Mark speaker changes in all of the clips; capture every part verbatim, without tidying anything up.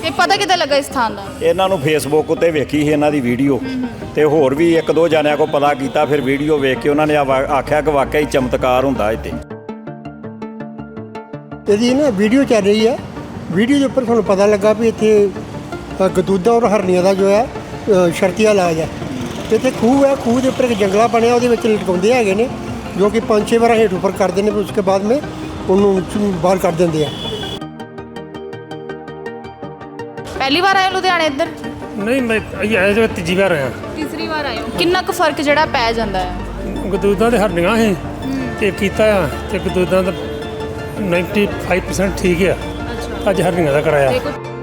Speaker 1: ਇਹ ਪਤਾ ਕਿੱਦਾਂ ਲੱਗਾ ਇਸ ਥਾਂ ਦਾ?
Speaker 2: ਇਹਨਾਂ ਨੂੰ ਫੇਸਬੁੱਕ ਉੱਤੇ ਵੇਖੀ ਸੀ ਇਹਨਾਂ ਦੀ ਵੀਡੀਓ ਤੇ ਹੋਰ ਵੀ ਇੱਕ ਦੋ ਜਣਿਆਂ ਕੋ ਪਤਾ ਕੀਤਾ, ਫਿਰ ਵੀਡੀਓ ਵੇਖ ਕੇ ਉਹਨਾਂ ਨੇ ਆਵਾ- ਆਖਿਆ ਕਿ ਵਾਕਿਆ ਹੀ ਚਮਤਕਾਰ ਹੁੰਦਾ ਇੱਥੇ।
Speaker 3: ਇਹਦੀ ਨਾ ਵੀਡੀਓ ਚੱਲ ਰਹੀ ਹੈ, ਵੀਡੀਓ ਦੇ ਉੱਪਰ ਸਾਨੂੰ ਪਤਾ ਲੱਗਾ ਵੀ ਇੱਥੇ ਅ, ਗਦੂਦਾਂ ਔਰ ਹਰਨੀਆਂ ਦਾ ਜੋ ਹੈ ਅ, ਸ਼ਰਤੀਆ ਇਲਾਜ ਹੈ। ਤੇ ਇੱਥੇ ਖੂਹ ਹੈ, ਖੂਹ ਦੇ ਉੱਪਰ ਇੱਕ ਜੰਗਲਾ ਬਣਿਆ, ਉਹਦੇ ਵਿੱਚ ਲਟਕਾਉਂਦੇ ਹੈਗੇ ਨੇ, ਜੋ ਕਿ ਪੰਜ ਛੇ ਵਾਰ ਹੇਠ ਉੱਪਰ ਕਰਦੇ ਨੇ, ਫਿਰ ਉਸਕੇ ਬਾਅਦ में ਉਹਨੂੰ ਬਾਹਰ ਕੱਢ ਦਿੰਦੇ ਆ।
Speaker 1: ਪਹਿਲੀ ਵਾਰ ਆਏ ਹੋ ਲੁਧਿਆਣੇ ਇੱਧਰ?
Speaker 4: ਨਹੀਂ ਮੈਂ ਇਹ ਆਇਆ ਜੋ ਤੀਜੀ ਵਾਰ ਆਇਆ।
Speaker 1: ਤੀਸਰੀ ਵਾਰ ਆਏ ਹੋ। ਕਿੰਨਾ ਕੁ ਫਰਕ ਜਿਹੜਾ ਪੈ ਜਾਂਦਾ ਹੈ?
Speaker 4: ਗਦੂਦਾਂ ਦੇ ਹਰਨੀਆਂ ਸੀ ਤੇ ਕੀਤਾ ਆ ਤੇ ਗਦੂਦਾਂ ਦਾ ਪਚਾਨਵੇਂ ਪਰਸੈਂਟ ਠੀਕ ਆ।
Speaker 1: ਅੱਛਾ।
Speaker 4: ਅੱਜ ਹਰਨੀਆਂ ਦਾ ਕਰਾਇਆ।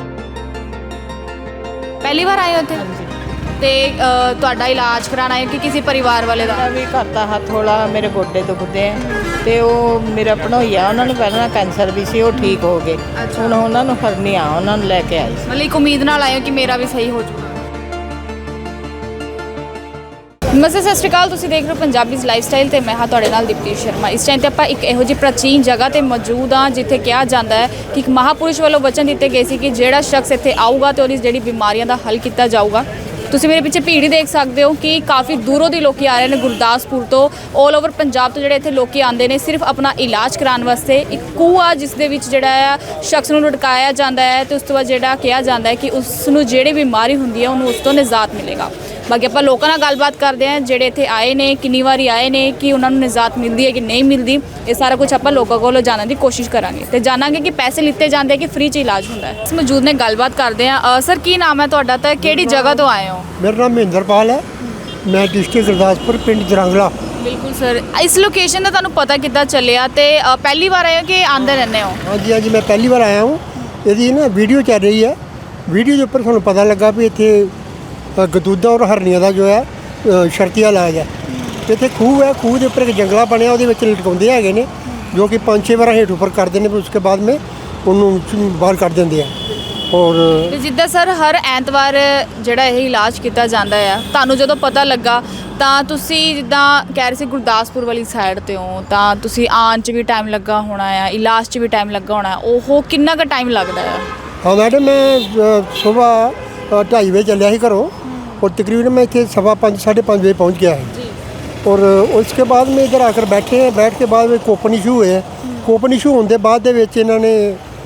Speaker 1: ਪਹਿਲੀ ਵਾਰ ਆਏ ਹੋ ਇੱਥੇ? ਤੇ ਅ, ਤੁਹਾਡਾ ਇਲਾਜ ਕਰਾਉਣਾ ਹੈ ਕਿ ਕਿਸੇ ਪਰਿਵਾਰ ਵਾਲੇ ਦਾ?
Speaker 5: ਮੇਰਾ ਵੀ ਘਰ ਦਾ ਹੱਥ ਥੋੜਾ, ਮੇਰੇ ਗੋਡੇ ਦੁਖਦੇ ਆ ਤੇ ਉਹ ਮੇਰਾ ਭਣੋਈਆ, ਉਹਨਾਂ ਨੂੰ ਪਹਿਲਾਂ ਕੈਂਸਰ ਵੀ ਸੀ, ਉਹ ਠੀਕ ਹੋ ਗਏ। ਹੁਣ ਉਹਨਾਂ ਨੂੰ ਹਰਨੀਆਂ, ਉਹਨਾਂ ਨੂੰ ਲੈ ਕੇ ਆਈ ਸੀ।
Speaker 1: ਮਤਲਬ ਇੱਕ ਉਮੀਦ ਨਾਲ ਆਏ ਹੋ ਕਿ ਮੇਰਾ ਵੀ ਸਹੀ ਹੋ ਜਾਊਗਾ। ਨਮਸਤੇ, ਸਤਿ ਸ਼੍ਰੀ ਅਕਾਲ। ਤੁਸੀਂ ਦੇਖ ਰਹੇ ਹੋ ਪੰਜਾਬੀਜ਼ ਲਾਈਫਸਟਾਈਲ ਤੇ ਮੈਂ ਹਾਂ ਤੁਹਾਡੇ ਨਾਲ ਦੀਪਤੀ ਸ਼ਰਮਾ। ਇਸ ਟਾਈਮ ਤੇ ਆਪਾਂ ਇੱਕ ਇਹੋ ਜਿਹੀ ਪ੍ਰਾਚੀਨ ਜਗ੍ਹਾ ਤੇ ਮੌਜੂਦ ਹਾਂ ਜਿੱਥੇ ਕਿਹਾ ਜਾਂਦਾ ਹੈ ਕਿ ਇੱਕ ਮਹਾਪੁਰਸ਼ ਵੱਲੋਂ ਵਚਨ ਦਿੱਤੇ ਗਏ ਸੀ ਕਿ ਜਿਹੜਾ ਸ਼ਖਸ ਇੱਥੇ ਆਊਗਾ ਤੇ ਉਹਦੀ ਜਿਹੜੀ ਬਿਮਾਰੀਆਂ ਦਾ ਹੱਲ ਕੀਤਾ ਜਾਊਗਾ। ਤੁਸੀਂ ਮੇਰੇ ਪਿੱਛੇ ਭੀੜ ਹੀ ਦੇਖ ਸਕਦੇ ਹੋ ਕਿ ਕਾਫੀ ਦੂਰੋਂ ਦੀ ਲੋਕੀ ਆ ਰਹੇ ਨੇ, ਗੁਰਦਾਸਪੁਰ ਤੋਂ, ਆਲ ਓਵਰ ਪੰਜਾਬ ਤੋਂ ਜਿਹੜੇ ਇੱਥੇ ਲੋਕੀ ਆਉਂਦੇ ਨੇ ਸਿਰਫ ਆਪਣਾ ਇਲਾਜ ਕਰਾਉਣ ਵਾਸਤੇ। ਇੱਕ ਖੂਹ ਆ ਜਿਸ ਦੇ ਵਿੱਚ ਜਿਹੜਾ ਆ ਸ਼ਖਸ ਨੂੰ ਲਟਕਾਇਆ ਜਾਂਦਾ ਹੈ ਤੇ ਉਸ ਤੋਂ ਬਾਅਦ ਜਿਹੜਾ ਕਿਹਾ ਜਾਂਦਾ ਹੈ ਕਿ ਉਸ ਨੂੰ ਜਿਹੜੀ ਬਿਮਾਰੀ ਹੁੰਦੀ ਹੈ ਉਹਨੂੰ ਉਸ ਤੋਂ ਨਿਜਾਤ ਮਿਲੇਗਾ। ਬਾਕੀ ਆਪਾਂ ਲੋਕਾਂ ਨਾਲ ਗੱਲਬਾਤ ਕਰਦੇ ਹਾਂ ਜਿਹੜੇ ਇੱਥੇ ਆਏ ਨੇ, ਕਿੰਨੀ ਵਾਰੀ ਆਏ ਨੇ, ਕਿ ਉਹਨਾਂ ਨੂੰ ਨਿਜਾਤ ਮਿਲਦੀ ਹੈ ਕਿ ਨਹੀਂ ਮਿਲਦੀ। ਇਹ ਸਾਰਾ ਕੁਝ ਆਪਾਂ ਲੋਕਾਂ ਕੋਲੋਂ ਜਾਣਨ ਦੀ ਕੋਸ਼ਿਸ਼ ਕਰਾਂਗੇ ਤੇ ਜਾਣਾਂਗੇ ਕਿ ਪੈਸੇ ਲਿੱਤੇ ਜਾਂਦੇ ਕਿ ਫ੍ਰੀ 'ਚ ਇਲਾਜ ਹੁੰਦਾ ਹੈ। ਇਸ ਮੌਜੂਦ ਨੇ ਗੱਲਬਾਤ ਕਰਦੇ ਹਾਂ। ਸਰ, ਕੀ ਨਾਮ ਹੈ ਤੁਹਾਡਾ ਤੇ ਕਿਹੜੀ ਜਗ੍ਹਾ ਤੋਂ ਆਏ ਹੋ?
Speaker 3: ਮੇਰਾ ਨਾਮ ਮਹਿੰਦਰਪਾਲ ਹੈ, ਮੈਂ ਡਿਸਟ੍ਰਿਕਟ ਗੁਰਦਾਸਪੁਰ, ਪਿੰਡ ਜਰੰਗਲਾ।
Speaker 1: ਬਿਲਕੁਲ ਸਰ, ਇਸ ਲੋਕੇਸ਼ਨ ਦਾ ਤੁਹਾਨੂੰ ਪਤਾ ਕਿੱਦਾਂ ਚੱਲਿਆ ਤੇ ਅ, ਪਹਿਲੀ ਵਾਰ ਆਏ ਹੋ ਕਿ ਆਉਂਦੇ ਰਹਿੰਦੇ ਹੋ?
Speaker 3: ਹਾਂਜੀ ਹਾਂਜੀ, ਮੈਂ ਪਹਿਲੀ ਵਾਰ ਆਇਆ ਹੂੰ। ਇਹਦੀ ਨਾ ਵੀਡੀਓ ਚੱਲ ਰਹੀ ਹੈ, ਵੀਡੀਓ ਦੇ ਉੱਪਰ ਸਾਨੂੰ ਪਤਾ ਲੱਗਾ ਵੀ ਇੱਥੇ ਅ, ਗਦੂਦਾਂ ਔਰ ਹਰਨੀਆਂ ਦਾ ਜੋ ਹੈ ਅ, ਸ਼ਰਤੀਆ ਇਲਾਜ ਹੈ। ਤੇ ਇੱਥੇ ਖੂਹ ਹੈ, ਖੂਹ ਦੇ ਉੱਪਰ ਇੱਕ ਜੰਗਲਾ ਬਣਿਆ, ਉਹਦੇ ਵਿੱਚ ਲਟਕਾਉਂਦੇ ਹੈਗੇ ਨੇ, ਜੋ ਕਿ ਪੰਜ ਛੇ ਵਾਰ ਹੇਠ ਉੱਪਰ ਕਰਦੇ ਨੇ, ਫਿਰ ਉਸਕੇ ਬਾਅਦ में ਉਹਨੂੰ ਬਾਹਰ ਕੱਢ ਦਿੰਦੇ ਆ। ਔਰ
Speaker 1: ਤੇ ਜਿੱਦਾਂ ਸਰ ਹਰ ਐਤਵਾਰ ਜਿਹੜਾ ਇਹ ਇਲਾਜ ਕੀਤਾ ਜਾਂਦਾ ਆ, ਤੁਹਾਨੂੰ ਜਦੋਂ ਪਤਾ ਲੱਗਾ ਤਾਂ ਤੁਸੀਂ ਜਿੱਦਾਂ ਕਹਿ ਰਹੇ ਸੀ ਗੁਰਦਾਸਪੁਰ ਵਾਲੀ ਸਾਈਡ ਤੇ ਹੋ, ਤਾਂ ਤੁਸੀਂ ਆਉਣ 'ਚ ਵੀ ਟਾਈਮ ਲੱਗਾ ਹੋਣਾ ਆ, ਇਲਾਜ 'ਚ ਵੀ ਟਾਈਮ ਲੱਗਾ ਹੋਣਾ, ਉਹ ਕਿੰਨਾ ਕੁ ਟਾਈਮ ਲੱਗਦਾ ਆ?
Speaker 3: ਹਾਂ ਮੈਡਮ, ਮੈਂ ਸੁਬਾਹ ਢਾਈ ਵਜੇ ਚੱਲਿਆ ਸੀ ਘਰੋਂ और तकरीबन मैं इतने सवा पाँच साढ़े पाँच बजे पहुंच गया है। और उसके बाद में इधर आकर बैठे हैं, बैठ के बाद में कोपन इशू हुए हैं। कोपन इशू होने बाद ਦੇ ਵਿੱਚ ਇਹਨਾਂ ਨੇ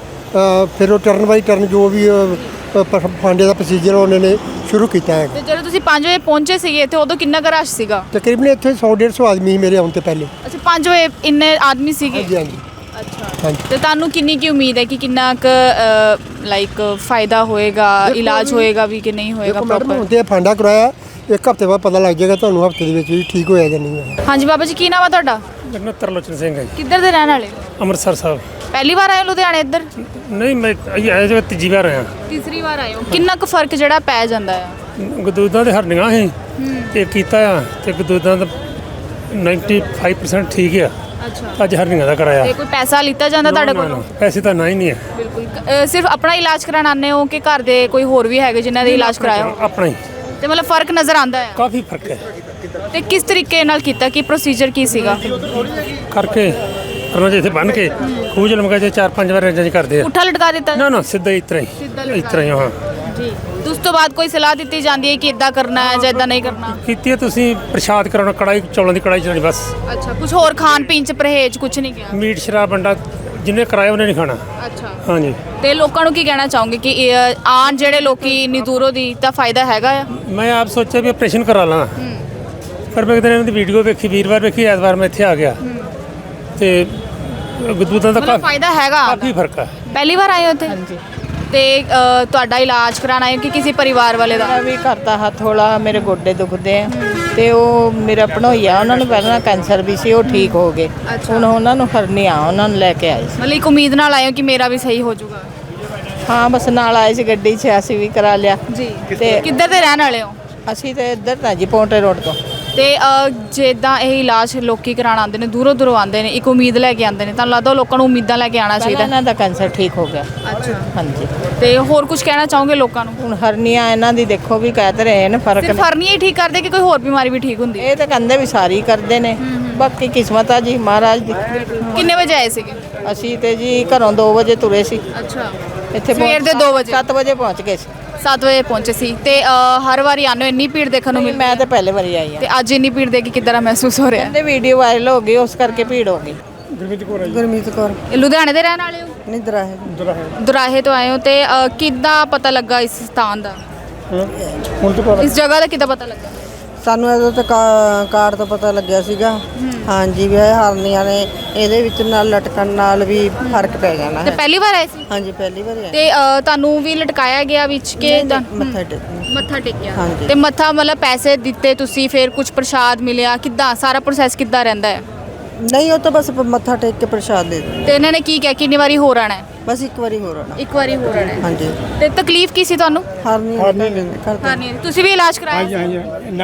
Speaker 3: ਫਿਰ ਉਹ ਟਰਨ ਬਾਈ ਟਰਨ ਜੋ ਵੀ ਫਾਂਡੇ ਦਾ ਪ੍ਰੋਸੀਜਰ ਉਹਨਾਂ ਨੇ ਸ਼ੁਰੂ ਕੀਤਾ ਹੈ।
Speaker 1: ਤੇ ਜਦੋਂ ਤੁਸੀਂ ਪੰਜ ਵਜੇ ਪਹੁੰਚੇ ਸੀਗੇ ਇੱਥੇ, ਉਦੋਂ ਕਿੰਨਾ ਕੁ ਰਸ਼ ਸੀਗਾ?
Speaker 3: ਤਕਰੀਬਨ ਇੱਥੇ ਸੌ ਡੇਢ ਸੌ ਆਦਮੀ ਸੀ ਮੇਰੇ ਆਉਣ ਤੋਂ ਪਹਿਲੇ।
Speaker 1: ਅੱਛਾ, ਪੰਜ ਵਜੇ ਇੰਨੇ ਆਦਮੀ ਸੀਗੇ?
Speaker 3: ਹਾਂਜੀ ਹਾਂਜੀ।
Speaker 1: ਅੱਛਾ,
Speaker 3: ਹਾਂਜੀ।
Speaker 1: ਤੇ ਤੁਹਾਨੂੰ ਕਿੰਨੀ ਕੀ ਉਮੀਦ ਹੈ ਕਿ ਕਿੰਨਾ ਕੁ ਲਾਈਕ ਫਾਇਦਾ ਹੋਏਗਾ, ਇਲਾਜ ਹੋਏਗਾ ਵੀ ਕਿ ਨਹੀਂ ਹੋਏਗਾ ਪ੍ਰੋਪਰ?
Speaker 3: ਹੁਣ ਤੇ ਫਾਂਡਾ ਕਰਾਇਆ, ਇੱਕ ਹਫ਼ਤੇ ਬਾਅਦ ਪਤਾ ਲੱਗ ਜਾਏਗਾ ਤੁਹਾਨੂੰ, ਹਫ਼ਤੇ ਦੇ ਵਿੱਚ ਵੀ ਠੀਕ ਹੋਇਆ ਜਾਂ ਨਹੀਂ ਹੋਇਆ।
Speaker 1: ਹਾਂਜੀ ਬਾਬਾ ਜੀ, ਕੀ ਨਾਮ ਆ ਤੁਹਾਡਾ?
Speaker 4: ਮੇਰਾ ਤਰਲੋਚਨ ਸਿੰਘ ਹੈ ਜੀ,
Speaker 1: ਕਿੱਧਰ ਦੇ ਰਹਿਣ ਵਾਲੇ?
Speaker 4: ਅੰਮ੍ਰਿਤਸਰ ਸਾਹਿਬ।
Speaker 1: ਪਹਿਲੀ ਵਾਰ ਆਏ ਹੋ ਲੁਧਿਆਣੇ ਇੱਧਰ?
Speaker 4: ਨਹੀਂ ਮੈਂ ਇਹ ਆਇਆ ਜੋ ਤੀਜੀ ਵਾਰ ਆਇਆ।
Speaker 1: ਤੀਸਰੀ ਵਾਰ ਆਏ ਹੋ। ਕਿੰਨਾ ਕੁ ਫਰਕ ਜਿਹੜਾ ਪੈ ਜਾਂਦਾ ਹੈ?
Speaker 4: ਗਦੂਦਾਂ ਦੇ ਹਰਨੀਆਂ ਸੀ ਤੇ ਕੀਤਾ ਆ ਤੇ ਗਦੂਦਾਂ ਦਾ ਪਚਾਨਵੇਂ ਪਰਸੈਂਟ ਠੀਕ ਆ।
Speaker 1: ਅੱਛਾ।
Speaker 4: ਅੱਜ ਹਰਨੀਆਂ ਦਾ ਕਰਾਇਆ।
Speaker 1: ਤੇ ਕੋਈ ਪੈਸਾ ਲਿੱਤਾ ਜਾਂਦਾ ਤੁਹਾਡੇ
Speaker 4: ਨਾ, ਨਾ,
Speaker 1: ਕੋਲੋਂ?
Speaker 4: ਪੈਸੇ ਤਾਂ ਨਾ ਹੀ ਨਹੀਂ ਹੈ।
Speaker 1: ਬਿਲਕੁਲ। ਅ, ਸਿਰਫ ਆਪਣਾ ਇਲਾਜ ਕਰਾਉਣ ਆਉਂਦੇ ਹੋ ਕਿ ਘਰ ਦੇ ਕੋਈ ਹੋਰ ਵੀ ਹੈਗੇ ਜਿਨ੍ਹਾਂ ਦੇ ਇਲਾਜ ਕਰਾਇਆ ਹੋ?
Speaker 4: ਆਪਣਾ ਹੀ।
Speaker 1: ਤੇ ਮਤਲਬ ਫਰਕ ਨਜ਼ਰ ਆਉਂਦਾ ਹੈ?
Speaker 4: ਕਾਫੀ ਫਰਕ ਹੈ।
Speaker 1: ਤੇ ਕਿਸ ਤਰੀਕੇ ਨਾਲ ਕੀਤਾ, ਕੀ ਪ੍ਰੋਸੀਜਰ ਕੀ ਸੀਗਾ?
Speaker 4: ਕਰਕੇ ਉਹਨਾਂ ਦੇ ਇੱਥੇ ਬੰਨ ਕੇ ਖੂਹ 'ਚ ਲਮਕਾ ਕੇ ਚਾਰ ਪੰਜ ਵਾਰ ਇੰਜ ਕਰਦੇ ਆ।
Speaker 1: ਪੁੱਠਾ ਲਟਕਾ ਦਿੱਤਾ?
Speaker 4: ਨਾ ਨਾ, ਸਿੱਧਾ ਹੀ ਇਤਰਾ ਹੀ ਇਸ ਤਰ੍ਹਾਂ ਹੀ। ਹਾਂ
Speaker 1: ਜੀ। ਤੇ ਉਸ ਤੋਂ ਬਾਅਦ ਕੋਈ ਸਲਾਹ ਦਿੱਤੀ ਜਾਂਦੀ ਹੈ ਕਿ ਇਦਾਂ ਕਰਨਾ ਹੈ ਜਾਂ ਇਦਾਂ ਨਹੀਂ ਕਰਨਾ?
Speaker 4: ਕੀਤੀ ਹੈ। ਤੁਸੀਂ ਪ੍ਰਸ਼ਾਦ ਕਰਾਉਣਾ, ਕੜਾਈ ਚੌਲਾਂ ਦੀ ਕੜਾਈ ਚਲਾਉਣੀ ਬਸ।
Speaker 1: ਅੱਛਾ, ਕੁਝ ਹੋਰ ਖਾਣ ਪੀਣ ਚ ਪਰਹੇਜ਼ ਕੁਝ ਨਹੀਂ ਗਿਆ?
Speaker 4: ਮੀਟ ਸ਼ਰਾਬ ਅੰਡਾ ਜਿੰਨੇ ਕਰਾਇਆ ਉਹਨੇ ਨਹੀਂ ਖਾਣਾ।
Speaker 1: ਅੱਛਾ।
Speaker 4: ਹਾਂਜੀ।
Speaker 1: ਤੇ ਲੋਕਾਂ ਨੂੰ ਕੀ ਕਹਿਣਾ ਚਾਹੋਗੇ ਕਿ ਇਹ ਆਉਣ ਜਿਹੜੇ ਲੋਕੀ ਇੰਨੀ ਦੂਰੋਂ ਦੀ, ਤਾਂ ਫਾਇਦਾ ਹੈਗਾ ਆ?
Speaker 4: ਮੈਂ ਆਪ ਸੋਚਿਆ ਵੀ ਆਪਰੇਸ਼ਨ ਕਰਾ ਲਾਂ, ਪਰ ਮੈਂ ਕਿਤੇ ਇਹਨਾਂ ਦੀ ਵੀਡੀਓ ਵੇਖੀ, ਵੀਰਵਾਰ ਵੇਖੀ, ਐਤਵਾਰ ਮੈਂ ਇੱਥੇ ਆ ਗਿਆ ਤੇ ਗਦੂਦਾਂ ਦਾ
Speaker 1: ਮਤਲਬ ਫਾਇਦਾ ਹੈਗਾ?
Speaker 4: ਕਾਫੀ ਫਰਕ ਹੈ।
Speaker 1: ਪਹਿਲੀ ਵਾਰ ਆਏ ਹੋ ਇੱਥੇ?
Speaker 5: ਹਾਂਜੀ।
Speaker 1: ਤੇ ਅ, ਤੁਹਾਡਾ ਇਲਾਜ ਕਰਾਉਣਾ ਹੈ ਕਿ ਕਿਸੇ ਪਰਿਵਾਰ ਵਾਲੇ ਦਾ?
Speaker 5: ਮੇਰਾ ਵੀ ਘਰ ਦਾ ਹੱਥ ਥੋੜਾ, ਮੇਰੇ ਗੋਡੇ ਦੁਖਦੇ ਆ ਤੇ ਉਹ ਮੇਰਾ ਭਣੋਈਆ, ਉਹਨਾਂ ਨੂੰ ਪਹਿਲਾਂ ਕੈਂਸਰ ਵੀ ਸੀ, ਉਹ ਠੀਕ ਹੋ ਗਏ। ਹੁਣ ਉਹਨਾਂ ਨੂੰ ਹਰਨੀਆਂ, ਉਹਨਾਂ ਨੂੰ ਲੈ ਕੇ ਆਈ ਸੀ।
Speaker 1: ਮਤਲਬ ਇੱਕ ਉਮੀਦ ਨਾਲ ਆਏ ਹੋ ਕਿ ਮੇਰਾ ਵੀ ਸਹੀ ਹੋ ਜਾਊਗਾ?
Speaker 5: ਹਾਂ, ਬਸ ਨਾਲ ਆਏ ਸੀ ਗੱਡੀ 'ਚ, ਅਸੀਂ ਵੀ ਕਰਾ ਲਿਆ
Speaker 1: ਜੀ।
Speaker 5: ਤੇ
Speaker 1: ਕਿੱਧਰ ਦੇ ਰਹਿਣ ਵਾਲੇ ਹੋ?
Speaker 5: ਅਸੀਂ ਤੇ ਇੱਧਰ ਤਾਂ ਜੀ ਪੌਂਟੇ ਰੋਡ ਤੋਂ।
Speaker 1: ਤੇ ਅ, ਜਿੱਦਾਂ ਇਹ ਇਲਾਜ ਲੋਕੀ ਕਰਾਉਣ ਆਉਂਦੇ ਨੇ, ਦੂਰੋਂ ਦੂਰੋਂ ਆਉਂਦੇ ਨੇ, ਇੱਕ ਉਮੀਦ ਲੈ ਕੇ ਆਉਂਦੇ ਨੇ, ਤੁਹਾਨੂੰ ਲੱਗਦਾ ਲੋਕਾਂ ਨੂੰ ਉਮੀਦਾਂ ਲੈ ਕੇ ਆਉਣਾ
Speaker 5: ਪਹਿਲਾਂ
Speaker 1: ਚਾਹੀਦਾ?
Speaker 5: ਇਹਨਾਂ ਦਾ ਕੈਂਸਰ ਠੀਕ ਹੋ ਗਿਆ।
Speaker 1: ਅੱਛਾ।
Speaker 5: ਹਾਂਜੀ।
Speaker 1: ਤੇ ਹੋਰ ਕੁਝ ਕਹਿਣਾ ਚਾਹੋਗੇ ਲੋਕਾਂ ਨੂੰ?
Speaker 5: ਹੁਣ ਹਰਨੀਆਂ ਇਹਨਾਂ ਦੀ ਦੇਖੋ ਵੀ ਕਹਿ ਤੇ ਰਹੇ ਨੇ ਫਰਕ
Speaker 1: ਸਿਰਫ ਹਰਨੀਆਂ ਹੀ ਠੀਕ ਕਰਦੇ ਕਿ ਕੋਈ ਹੋਰ ਬਿਮਾਰੀ ਵੀ ਠੀਕ ਹੁੰਦੀ ਹੈ?
Speaker 5: ਇਹ ਤਾਂ ਕਹਿੰਦੇ ਵੀ ਸਾਰੀ ਕਰਦੇ ਨੇ, ਬਾਕੀ ਕਿਸਮਤ ਆ ਜੀ ਮਹਾਰਾਜ ਦੀ।
Speaker 1: ਕਿੰਨੇ ਵਜੇ ਆਏ ਸੀਗੇ?
Speaker 5: ਅਸੀਂ ਤੇ ਜੀ ਘਰੋਂ ਦੋ ਵਜੇ ਤੁਰੇ ਸੀ
Speaker 1: ਅੱਛਾ।
Speaker 5: ਇੱਥੇ
Speaker 1: ਸਵੇਰ ਦੇ ਦੋ ਵਜੇ?
Speaker 5: ਸੱਤ ਵਜੇ ਪਹੁੰਚ ਗਏ ਸੀ।
Speaker 1: ਸੱਤ ਵਜੇ ਪਹੁੰਚੇ ਸੀ ਤੇ ਅ, ਹਰ ਵਾਰੀ ਆਉਂਦੇ ਹੋ ਇੰਨੀ ਭੀੜ ਦੇਖਣ ਨੂੰ ਮਿਲਦੀ?
Speaker 5: ਮੈਂ ਤਾਂ ਪਹਿਲੇ ਵਾਰੀ ਆਈ ਹਾਂ।
Speaker 1: ਤੇ ਅੱਜ ਇੰਨੀ ਭੀੜ ਦੇਖ ਕੇ ਕਿੱਦਾਂ ਦਾ ਮਹਿਸੂਸ ਹੋ ਰਿਹਾ?
Speaker 5: ਕਹਿੰਦੇ ਵੀਡੀਓ ਵਾਇਰਲ ਹੋ ਗਈ ਉਸ ਕਰਕੇ ਭੀੜ ਹੋ ਗਈ।
Speaker 3: ਗੁਰਮੀਤ ਕੌਰ
Speaker 1: ਇਹ ਲੁਧਿਆਣੇ ਦੇ ਰਹਿਣ ਵਾਲੇ ਹੋ?
Speaker 3: ਨਹੀਂ ਦਰਾਹੇ
Speaker 1: ਦੁਰਾਹੇ ਤੋਂ ਆਏ ਹੋ ਤੇ ਅ, ਕਿੱਦਾਂ ਪਤਾ ਲੱਗਾ ਇਸ ਸਥਾਨ ਦਾ, ਇਸ ਜਗ੍ਹਾ ਦਾ ਕਿੱਦਾਂ ਪਤਾ ਲੱਗਾ?
Speaker 6: ਸਾਨੂੰ ਇਹਦੇ ਤੇ ਕਾ- ਕਾਰਡ ਤੋਂ ਪਤਾ ਲੱਗਿਆ ਸੀਗਾ। ਹਾਂਜੀ ਵੀ ਇਹ ਹਰਨੀਆਂ ਨੇ ਇਹਦੇ ਵਿੱਚ ਨਾਲ ਲਟਕਣ ਨਾਲ ਵੀ ਫਰਕ ਪੈ ਜਾਣਾ
Speaker 1: ਤੇ
Speaker 6: ਹੈ।
Speaker 1: ਪਹਿਲੀ ਵਾਰ ਆਏ ਸੀ
Speaker 6: ਹਾਂਜੀ ਪਹਿਲੀ ਵਾਰ ਆਏ।
Speaker 1: ਤੇ ਅ, ਤੁਹਾਨੂੰ ਵੀ ਲਟਕਾਇਆ ਗਿਆ ਵਿੱਚ ਕਿ ਤਾਂ-
Speaker 6: ਮੱਥਾ ਟੇਕਣ
Speaker 1: ਮੱਥਾ ਟੇਕਿਆ?
Speaker 6: ਹਾਂਜੀ।
Speaker 1: ਤੇ ਮੱਥਾ ਮਤਲਬ ਪੈਸੇ ਦਿੱਤੇ ਤੁਸੀਂ, ਫਿਰ ਕੁਝ ਪ੍ਰਸ਼ਾਦ ਮਿਲਿਆ, ਕਿੱਦਾਂ ਸਾਰਾ ਪ੍ਰੋਸੈਸ ਕਿੱਦਾਂ ਰਹਿੰਦਾ ਹੈ?
Speaker 6: ਨਹੀਂ ਉਹ ਤਾਂ ਬਸ ਮੱਥਾ ਟੇਕ ਕੇ ਪ੍ਰਸ਼ਾਦ ਦੇ ਦਿੰਦੇ।
Speaker 1: ਤੇ ਇਹਨਾਂ ਨੇ ਕੀ ਕਿਹਾ ਕਿੰਨੀ ਵਾਰੀ ਹੋਰ ਆਣਾ ਹੈ?
Speaker 6: ਬਸ ਇੱਕ ਵਾਰੀ ਹੋਰ ਆਣਾ।
Speaker 1: ਇੱਕ ਵਾਰੀ ਹੋਰ ਆਣਾ ਹੈ।
Speaker 6: ਹਾਂਜੀ
Speaker 1: ਤੇ ਤਕਲੀਫ ਕੀ ਸੀ ਤੁਹਾਨੂੰ?
Speaker 6: ਹਰਨੀ
Speaker 1: ਹਾਂ ਨਹੀਂ ਤੁਸੀਂ ਵੀ ਇਲਾਜ ਕਰਾਇਆ ਸੀ?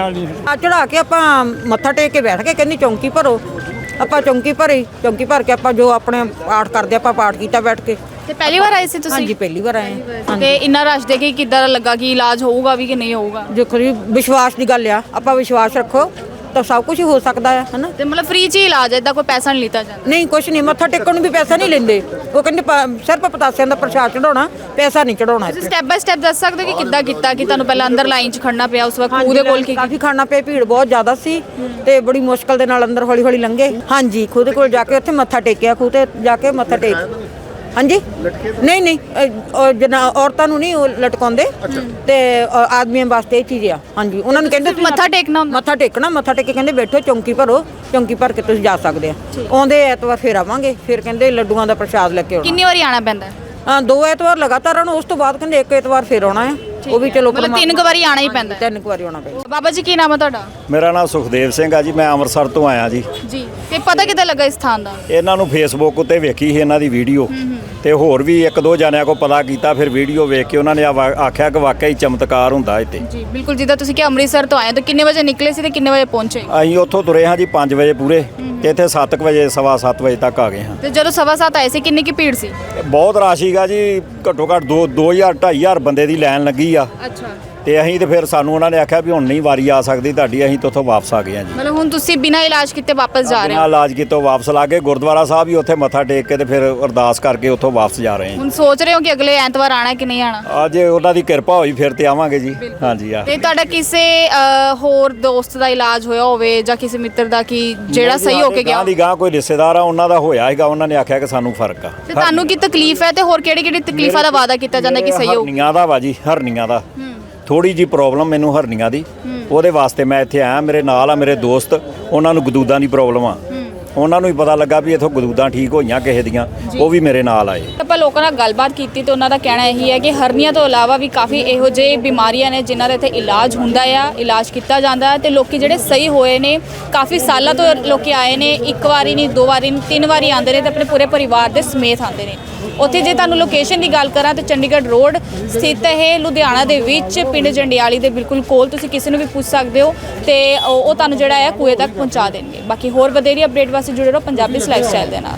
Speaker 7: ਆ ਚੜਾ ਕੇ ਆਪਾਂ ਮੱਥਾ ਟੇਕ ਕੇ ਬੈਠ ਕੇ ਕਹਿੰਦੀ ਚੌਂਕੀ ਭਰੋ। ਆਪਾਂ ਚੌਂਕੀ ਭਰੀ, ਚੌਂਕੀ ਭਰ ਕੇ ਆਪਾਂ ਜੋ ਆਪਣੇ ਪਾਠ ਕਰਦੇ ਆਪਾਂ ਪਾਠ ਕੀਤਾ ਬੈਠ ਕੇ।
Speaker 1: ਤੇ ਪਹਿਲੀ ਵਾਰ ਆਏ ਸੀ ਤੁਸੀਂ?
Speaker 7: ਹਾਂਜੀ ਪਹਿਲੀ ਵਾਰ ਆਏ ਹਾਂ।
Speaker 1: ਤੇ ਇੰਨਾ ਰਸ਼ ਦੇ ਕੇ ਕਿੱਦਾਂ ਦਾ ਲੱਗਾ ਕਿ ਇਲਾਜ ਹੋਊਗਾ ਵੀ ਕਿ ਨਹੀਂ ਹੋਊਗਾ?
Speaker 7: ਦੇਖੋ ਜੀ ਵਿਸ਼ਵਾਸ ਦੀ ਗੱਲ ਆ, ਆਪਾਂ ਵਿਸ਼ਵਾਸ ਰੱਖੋ ਤਾਂ ਸਭ ਕੁਝ ਹੋ ਸਕਦਾ ਹੈ ਹਨਾ।
Speaker 1: ਤੇ ਮਤਲਬ ਫ੍ਰੀ ਚ ਹੀ ਇਲਾਜ ਹੈ, ਏਦਾਂ ਕੋਈ ਪੈਸਾ ਨਹੀਂ ਲਿੱਤਾ ਜਾਂਦਾ?
Speaker 7: ਨਹੀਂ ਕੁਝ ਨਹੀਂ, ਮੱਥਾ ਟੇਕਣ ਨੂੰ ਵੀ ਪੈਸਾ ਨਹੀਂ ਲੈਂਦੇ। ਉਹ ਕਹਿੰਦੇ ਪ- ਸਿਰਫ ਪਤਾਸਿਆਂ ਦਾ ਪ੍ਰਸ਼ਾਦ ਚੜਾਉਣਾ, ਪੈਸਾ ਨਹੀਂ ਚੜਾਉਣਾ।
Speaker 1: ਤੁਸੀਂ ਸਟੈਪ ਬਾਈ ਸਟੈਪ ਦੱਸ ਸਕਦੇ ਹੋ ਕਿ ਕਿੱਦਾਂ ਕੀਤਾ ਕਿ ਤੁਹਾਨੂੰ ਪਹਿਲਾਂ ਅੰਦਰ ਲਾਈਨ 'ਚ ਖੜਨਾ ਪਿਆ, ਉਸ ਵਕਤ ਖੂਹ ਦੇ ਕੋਲ ਕੀ
Speaker 7: ਕਾਫੀ ਖਾਣਾ ਪਿਆ, ਭੀੜ ਬਹੁਤ ਜ਼ਿਆਦਾ ਸੀ ਤੇ ਬੜੀ ਮੁਸ਼ਕਲ ਦੇ ਨਾਲ ਅੰਦਰ ਹੌਲੀ ਹੌਲੀ ਲੰਘੇ। ਹਾਂਜੀ ਖੂਹ ਦੇ ਕੋਲ ਜਾ ਕੇ ਉੱਥੇ ਮੱਥਾ ਟੇਕਿਆ, ਖੂਹ ਤੇ ਜਾ ਕੇ ਮੱਥਾ ਟੇਕ। ਹਾਂਜੀ ਨਹੀਂ ਨਹੀਂ ਅ, ਅ, ਜਨਾ ਔਰਤਾਂ ਨੂੰ ਨਹੀਂ ਉਹ ਲਟਕਾਉਂਦੇ ਤੇ ਅ, ਆਦਮੀਆਂ ਵਾਸਤੇ ਇਹ ਚੀਜ਼ ਆ। ਹਾਂਜੀ ਉਹਨਾਂ ਨੂੰ ਕਹਿੰਦੇ ਤੁਸੀਂ
Speaker 1: ਮੱਥਾ ਟੇਕਣਾ ਹੁੰਦਾ?
Speaker 7: ਮੱਥਾ ਟੇਕਣਾ, ਮੱਥਾ ਟੇਕ ਕੇ ਕਹਿੰਦੇ ਬੈਠੋ ਚੌਂਕੀ ਭਰੋ, ਚੌਂਕੀ ਭਰ ਕੇ ਤੁਸੀਂ ਜਾ ਸਕਦੇ ਆ। ਆਉਂਦੇ ਐਤਵਾਰ ਫੇਰ ਆਵਾਂਗੇ, ਫਿਰ ਕਹਿੰਦੇ ਲੱਡੂਆਂ ਦਾ ਪ੍ਰਸ਼ਾਦ ਲੈ ਕੇ ਆਉਣਾ।
Speaker 1: ਕਿੰਨੀ ਵਾਰੀ ਆਣਾ ਪੈਂਦਾ ਹੈ?
Speaker 7: ਹਾਂ ਦੋ ਐਤਵਾਰ ਲਗਾਤਾਰ ਆਉਣਾ, ਉਸ ਤੋਂ ਬਾਅਦ ਕਹਿੰਦੇ ਇੱਕ ਐਤਵਾਰ ਫੇਰ ਆਉਣਾ ਹੈ। ਉਹ ਵੀ ਚਲੋ
Speaker 1: ਮਤਲਬ ਤਿੰਨ ਕੁ ਵਾਰੀ ਆਣਾ ਹੀ ਪੈਂਦਾ ਹੈ?
Speaker 7: ਤਿੰਨ ਕੁ ਵਾਰੀ ਆਉਣਾ ਪੈਂਦਾ।
Speaker 1: ਬਾਬਾ ਜੀ ਕੀ ਨਾਮ ਹੈ ਤੁਹਾਡਾ?
Speaker 2: ਮੇਰਾ ਨਾਮ ਸੁਖਦੇਵ ਸਿੰਘ ਆ ਜੀ, ਮੈਂ ਅੰਮ੍ਰਿਤਸਰ ਤੋਂ ਆਇਆ ਜੀ।
Speaker 1: ਜੀ ਤੇ ਪਤਾ ਕਿੱਦਾਂ ਲੱਗਾ ਇਸ ਥਾਂ ਦਾ?
Speaker 2: ਇਹਨਾਂ ਨੂੰ ਫੇਸਬੁੱਕ ਉੱਤੇ ਵੇਖੀ ਸੀ ਇਹਨਾਂ ਦੀ ਵੀਡੀਓ, ਤੇ ਹੋਰ ਵੀ ਇੱਕ ਦੋ ਜਣਿਆਂ ਕੋ ਪਤਾ ਕੀਤਾ, ਫਿਰ ਵੀਡੀਓ ਵੇਖ ਕੇ ਉਹਨਾਂ ਨੇ ਆ ਵਾ- ਆਖਿਆ ਕਿ ਵਾਕਈ ਚਮਤਕਾਰ ਹੁੰਦਾ ਇੱਥੇ।
Speaker 1: ਜੀ ਬਿਲਕੁਲ, ਜਿੱਦਾਂ ਤੁਸੀਂ ਕਿ ਅੰਮ੍ਰਿਤਸਰ ਤੋਂ ਆਏ ਤਾਂ ਕਿੰਨੇ ਵਜੇ ਨਿਕਲੇ ਸੀ ਤੇ ਕਿੰਨੇ ਵਜੇ ਪਹੁੰਚੇ?
Speaker 2: ਅਸੀਂ ਉੱਥੋਂ ਤੁਰੇ ਹਾਂ ਜੀ ਪੰਜ ਵਜੇ ਪੂਰੇ, ਤੇ ਇੱਥੇ ਸੱਤ ਕੁ ਵਜੇ ਸਵਾ ਸੱਤ ਵਜੇ ਤੱਕ ਆ ਗਏ ਹਾਂ।
Speaker 1: ਤੇ ਜਦੋਂ ਸਵਾ ਸੱਤ ਆਏ ਸੀ ਕਿੰਨੀ ਕੀ ਭੀੜ ਸੀ?
Speaker 2: ਬਹੁਤ ਰਸ਼ ਸੀਗਾ ਜੀ, ਘੱਟੋ ਘੱਟ ਦੋ ਦੋ ਹਜ਼ਾਰ ਢਾਈ ਹਜ਼ਾਰ ਬੰਦੇ ਦੀ ਲਾਈਨ ਲੱਗੀ ਆ।
Speaker 1: ਅੱਛਾ,
Speaker 2: ਤੇ ਅਸੀਂ ਤੇ ਫਿਰ ਸਾਨੂੰ ਉਹਨਾਂ ਨੇ ਆਖਿਆ ਵੀ ਹੁਣ ਨਹੀਂ ਵਾਰੀ ਆ ਸਕਦੀ ਤੁਹਾਡੀ, ਅਸੀਂ ਤਾਂ ਉੱਥੋਂ ਵਾਪਸ ਆ ਗਏ ਹਾਂ ਜੀ।
Speaker 1: ਮਤਲਬ ਹੁਣ ਤੁਸੀਂ ਬਿਨਾਂ ਇਲਾਜ ਕੀਤੇ ਵਾਪਸ ਜਾ ਰਹੇ
Speaker 2: ਬਿਨਾਂ
Speaker 1: ਹੋ?
Speaker 2: ਇਲਾਜ ਕੀਤੋਂ ਵਾਪਸ ਲਾ ਕੇ ਗੁਰਦੁਆਰਾ ਸਾਹਿਬ ਹੀ ਉੱਥੇ ਮੱਥਾ ਟੇਕ ਕੇ ਤੇ ਫਿਰ ਅਰਦਾਸ ਕਰਕੇ ਉੱਥੋਂ ਵਾਪਸ ਜਾ ਰਹੇ ਹਾਂ।
Speaker 1: ਹੁਣ ਸੋਚ ਰਹੇ ਹੋ ਕਿ ਅਗਲੇ ਐਤਵਾਰ ਆਣਾ ਕਿ ਨਹੀਂ ਆਣਾ?
Speaker 2: ਅੱਜ ਉਹਨਾਂ ਦੀ ਕਿਰਪਾ ਹੋਈ ਫਿਰ ਤੇ ਆਵਾਂਗੇ ਜੀ। ਹਾਂਜੀ ਆ
Speaker 1: ਤੇ ਤੁਹਾਡਾ ਕਿਸੇ ਅ, ਹੋਰ ਦੋਸਤ ਦਾ ਇਲਾਜ ਹੋਇਆ ਹੋਵੇ ਜਾਂ ਕਿਸੇ ਮਿੱਤਰ ਦਾ ਕਿ ਜਿਹੜਾ ਸਹੀ ਹੋ ਕੇ ਗਿਆ?
Speaker 2: ਗਾਂ ਦੀ ਗਾਂ ਕੋਈ ਰਿਸ਼ਤੇਦਾਰ ਆ ਉਹਨਾਂ ਦਾ ਹੋਇਆ ਹੈਗਾ, ਉਹਨਾਂ ਨੇ ਆਖਿਆ ਕਿ ਸਾਨੂੰ ਫਰਕ ਆ।
Speaker 1: ਤੇ ਤੁਹਾਨੂੰ ਕੀ ਤਕਲੀਫ ਹੈ ਤੇ ਹੋਰ ਕਿਹੜੀ ਕਿਹੜੀ ਤਕਲੀਫਾਂ ਦਾ ਵਾਅਦਾ ਕੀਤਾ ਜਾਂਦਾ ਕਿ ਸਹੀ ਹੋਊ?
Speaker 2: ਹਰਨੀਆਂ ਦਾ ਵਾ ਜੀ, ਹਰਨੀਆਂ ਦਾ ਥੋੜੀ ਜੀ ਪ੍ਰੋਬਲਮ ਮੈਨੂੰ ਹਰਨੀਆਂ ਦੀ, ਉਹਦੇ ਵਾਸਤੇ ਮੈਂ ਇੱਥੇ ਆਇਆ। ਮੇਰੇ ਨਾਲ ਆ ਮੇਰੇ ਦੋਸਤ, ਉਹਨਾਂ ਨੂੰ ਗਦੂਦਾਂ ਦੀ ਪ੍ਰੋਬਲਮ ਆ, ਉਹਨਾਂ ਨੂੰ ਹੀ ਪਤਾ ਲੱਗਾ ਵੀ ਇੱਥੋਂ ਗਦੂਦਾਂ ਠੀਕ ਹੋਈਆਂ ਕਿਸੇ ਦੀਆਂ, ਉਹ ਵੀ ਮੇਰੇ ਨਾਲ ਆਏ।
Speaker 1: ਆਪਾਂ ਲੋਕਾਂ ਨਾਲ ਗੱਲਬਾਤ ਕੀਤੀ ਤੇ ਉਹਨਾਂ ਦਾ ਕਹਿਣਾ ਇਹੀ ਹੈ ਕਿ ਹਰਨੀਆਂ ਤੋਂ ਇਲਾਵਾ ਵੀ ਕਾਫੀ ਇਹੋ ਜਿਹੇ ਬਿਮਾਰੀਆਂ ਨੇ ਜਿਨ੍ਹਾਂ ਦਾ ਇੱਥੇ ਇਲਾਜ ਹੁੰਦਾ ਆ, ਇਲਾਜ ਕੀਤਾ ਜਾਂਦਾ ਹੈ ਤੇ ਲੋਕੀ ਜਿਹੜੇ ਸਹੀ ਹੋਏ ਨੇ, ਕਾਫੀ ਸਾਲਾਂ ਤੋਂ ਲੋਕੀ ਆਏ ਨੇ, ਇੱਕ ਵਾਰੀ ਨਹੀਂ ਦੋ ਵਾਰੀ ਨਹੀਂ ਤਿੰਨ ਵਾਰੀ ਆਉਂਦੇ ਨੇ ਤੇ ਆਪਣੇ ਪੂਰੇ ਪਰਿਵਾਰ ਦੇ ਸਮੇਤ ਆਉਂਦੇ ਨੇ। ਉੱਥੇ ਜੇ ਤੁਹਾਨੂੰ ਲੋਕੇਸ਼ਨ ਦੀ ਗੱਲ ਕਰਾਂ ਤਾਂ ਚੰਡੀਗੜ੍ਹ ਰੋਡ ਸਥਿਤ ਹੈ ਲੁਧਿਆਣਾ ਦੇ ਵਿੱਚ, ਪਿੰਡ ਜੰਡਿਆਲੀ ਦੇ ਬਿਲਕੁਲ ਕੋਲ। ਤੁਸੀਂ ਕਿਸੇ ਨੂੰ ਵੀ ਪੁੱਛ ਸਕਦੇ ਹੋ ਤੇ ਉਹ ਉਹ ਤੁਹਾਨੂੰ ਜਿਹੜਾ ਹੈ ਕੂਏ ਤੱਕ ਪਹੁੰਚਾ ਦੇਣਗੇ। ਬਾਕੀ ਹੋਰ ਵਧੇਰੀ ਅਪਡੇਟ ਵਾਸਤੇ ਜੁੜੇ ਰਹੋ ਪੰਜਾਬੀ ਲਾਈਫ ਸਟਾਈਲ ਦੇ ਨਾਲ।